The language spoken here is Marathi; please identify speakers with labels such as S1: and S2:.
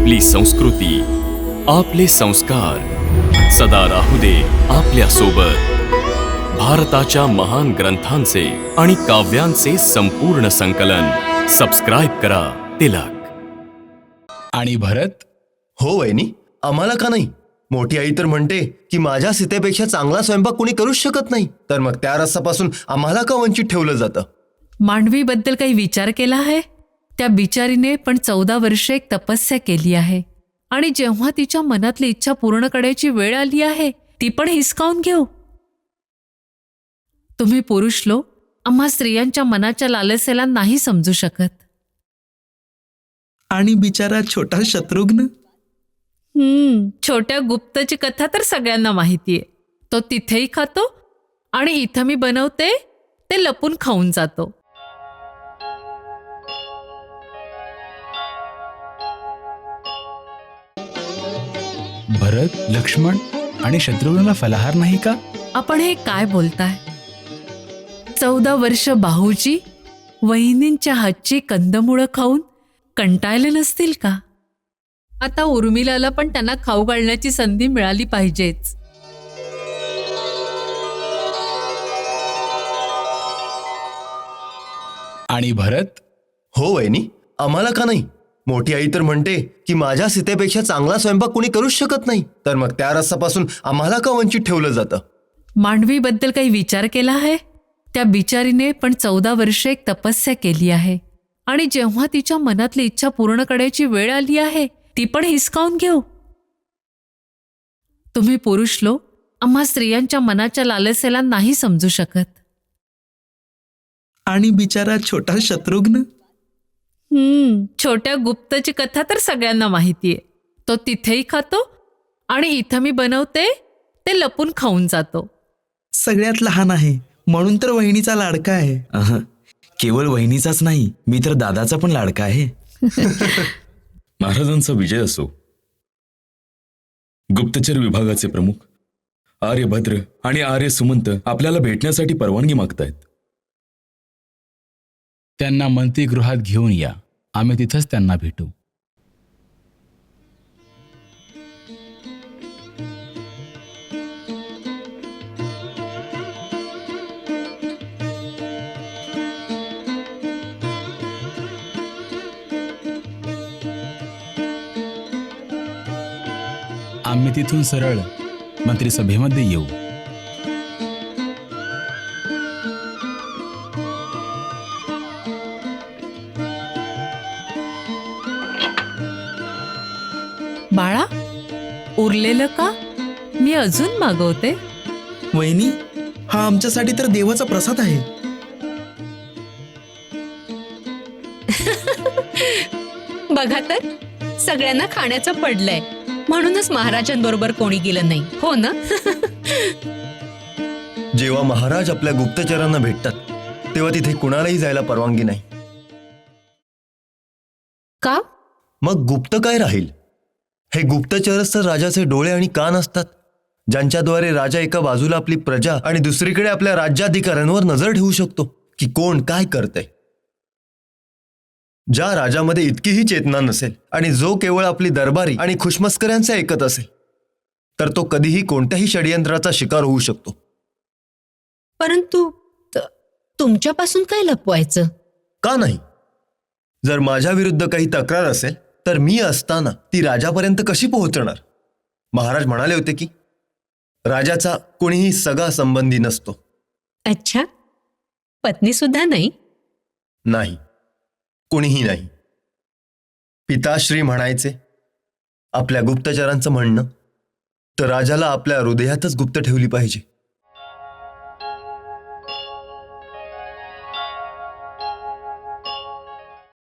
S1: आपली संस्कृती, आपले संस्कार सदा राहू दे आपल्या सोबत. भारताच्या महान ग्रंथांचे आणि काव्यांचे संपूर्ण संकलन. सबस्क्राईब करा तिलक.
S2: आणि भरत?
S3: हो वहिनी, आम्हाला का नाही? मोठी आई तर म्हणते की माझ्या सीतेपेक्षा चांगला स्वयंपाक कोणी करूच शकत नाही, तर मग त्या रसापासून आम्हाला का वंचित ठेवलं जातं?
S4: मांडवीबद्दल काही विचार केला आहे? त्या बिचारीने पण 14 वर्षे एक तपस्या केली आहे, आणि जेव्हा तिच्या मनातली इच्छा पूर्ण करायची वेळ आली आहे ती पण हिसकावून घेऊ. तुम्ही पुरुष लोक आम्हा स्त्रियांच्या मनाच्या लालसेला नाही समजू शकत.
S2: आणि बिचारा छोटा शत्रुघ्न?
S4: छोट्या गुप्तची कथा तर सगळ्यांना माहितीये. तो तिथेही खातो आणि इथं मी बनवते ते लपून खाऊन जातो.
S2: भरत, लक्ष्मण आणि शत्रुघ्नला फलाहार नाही का?
S4: आपण हे काय बोलताय? 14 वर्ष बाहूजी वहिनींच्या हातची कंदमुळं खाऊन कंटाळले नसतील का? आता उर्मिलाला पण त्यांना खाऊ घालण्याची संधी मिळाली पाहिजेच.
S2: आणि भरत?
S3: हो वहिनी, आम्हाला का नाही? मोठी आई तर म्हणते की माझ्या सीतेपेक्षा चांगला स्वयंपाक कोणी करूच शकत नाही, तर मग त्या रसापासून आम्हाला का वंचित ठेवलं जातं?
S4: मांडवीबद्दल काही विचार केला आहे? त्या बिचारीने पण 14 वर्षे एक तपस्या केली आहे, आणि जेव्हा तिच्या मनातली इच्छा पूर्ण करायची वेळ आली आहे ती पण हिसकावून घेऊ. तुम्ही पुरुष लोक आम्हा स्त्रियांच्या मनाच्या लालसेला नाही समजू शकत.
S2: आणि बिचारा छोटा शत्रुघ्न?
S4: छोट्या गुप्तची कथा तर सगळ्यांना माहितीये. तो तिथेही खातो आणि इथं मी बनवते ते लपून खाऊन जातो.
S2: सगळ्यात लहान आहे म्हणून तर वहिनीचा लाडका आहे.
S5: केवळ वहिनीचाच नाही, मी तर दादाचा पण लाडका आहे.
S6: महाराजांचा विजय असो. गुप्तचर विभागाचे प्रमुख आर्यभद्र आणि आर्य सुमंत आपल्याला भेटण्यासाठी परवानगी मागतायत.
S2: त्यांना मंत्रिगृहात घेऊन या, आम्ही तिथंच त्यांना भेटू. आम्ही तिथून सरळ मंत्रिसभेमध्ये येऊ.
S4: बाळा, उरलेलं का? मी अजून मागवते.
S2: वहिनी, हा आमच्यासाठी तर देवाचा प्रसाद आहे.
S7: बघा तर, सगळ्यांना खाण्याचं पडलंय, म्हणूनच महाराजांबरोबर कोणी गेलं नाही, हो ना?
S3: जेव्हा महाराज आपल्या गुप्तचरांना भेटतात तेव्हा तिथे कुणालाही जायला परवानगी नाही.
S7: का?
S3: मग गुप्त काय राहील? हे गुप्तचरच तर राजाचे डोळे आणि कान असतात, ज्यांच्याद्वारे राजा एका बाजूला आपली प्रजा आणि दुसरीकडे आपल्या राज्याधिकाऱ्यांवर नजर ठेवू शकतो की कोण काय करतंय. ज्या राजामध्ये इतकीही चेतना नसेल आणि जो केवळ आपली दरबारी आणि खुशमस्कऱ्यांचे ऐकत असेल, तर तो कधीही कोणत्याही षडयंत्राचा शिकार होऊ शकतो.
S7: परंतु तुमच्यापासून काय लपवायचं?
S3: का नाही? जर माझ्या विरुद्ध काही तक्रार असेल तर मी असताना ती राजापर्यंत कशी पोहोचणार? महाराज म्हणाले होते की राजाचा कोणीही सगा संबंधी नसतो.
S7: अच्छा, पत्नी सुद्धा नाही?
S3: नाही, कोणीही नाही. पिताश्री म्हणायचे, आपल्या गुप्तचरांचं म्हणणं तर राजाला आपल्या हृदयातच गुप्त ठेवली पाहिजे.